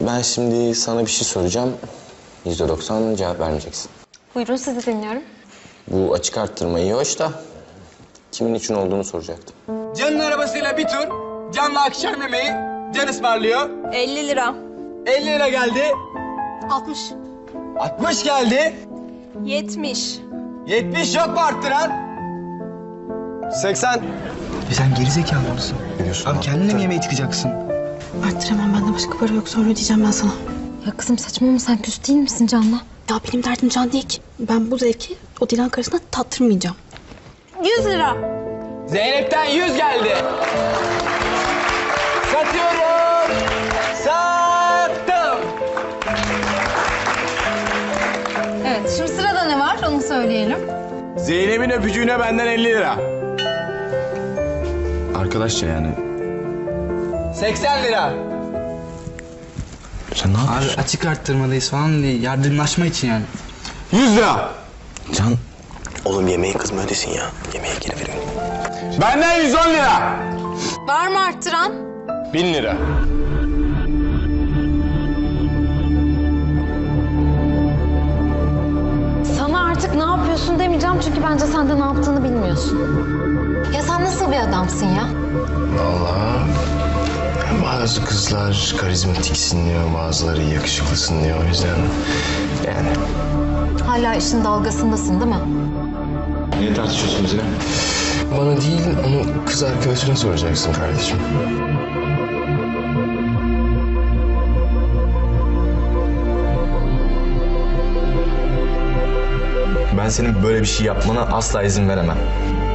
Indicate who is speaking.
Speaker 1: Ben şimdi sana bir şey soracağım. %90 cevap vermeyeceksin.
Speaker 2: Buyurun, sizi dinliyorum.
Speaker 1: Bu açık arttırma iyi hoş da kimin için olduğunu soracaktım.
Speaker 3: Can'ın arabasıyla bir tur. Can'la akşam yemeği. Can ısmarlıyor.
Speaker 2: 50 lira.
Speaker 3: 50 lira geldi.
Speaker 2: 60.
Speaker 3: 60 geldi.
Speaker 2: 70.
Speaker 3: 70 yok mu arttıran? 80.
Speaker 4: Sen gerizekalı mısın?
Speaker 1: Biliyorsun
Speaker 4: Abi kendine mi yemeğe tıkacaksın?
Speaker 5: Arttıramam, bende başka para yok, sonra ödeyeceğim ben sana.
Speaker 2: Ya kızım saçmalama, sen küs değil misin Can'la?
Speaker 5: Ya benim derdim Can değil ki. Ben bu zevki o Dilan karısına tattırmayacağım.
Speaker 2: 100 lira.
Speaker 3: Zeynep'ten 100 geldi. Satıyorum. Sattım.
Speaker 2: Evet, şimdi sırada ne var onu söyleyelim.
Speaker 3: Zeynep'in öpücüğüne benden 50 lira.
Speaker 1: Arkadaşça yani.
Speaker 3: 80 lira.
Speaker 1: Sen ne
Speaker 4: Abi
Speaker 1: yapıyorsun?
Speaker 4: açık arttırmadayız falan diye yardımlaşma için yani.
Speaker 3: 100 lira.
Speaker 1: Can
Speaker 6: Oğlum yemeği kızma ödesin ya. Yemeğe geri verin.
Speaker 3: Benden 110 lira.
Speaker 2: Var mı arttıran?
Speaker 3: 1000 lira.
Speaker 2: Sana artık ne yapıyorsun demeyeceğim çünkü bence sen de ne yaptığını bilmiyorsun. Ya sen nasıl bir adamsın ya?
Speaker 6: Vallahi bazı kızlar karizmatiksin diyor, bazıları yakışıklısın diyor. O yüzden yani.
Speaker 2: Hala işin dalgasındasın değil mi?
Speaker 1: niye tartışıyorsunuz yine?
Speaker 6: Bana değil, onu kız arkadaşına soracaksın kardeşim.
Speaker 1: Ben senin böyle bir şey yapmana asla izin veremem.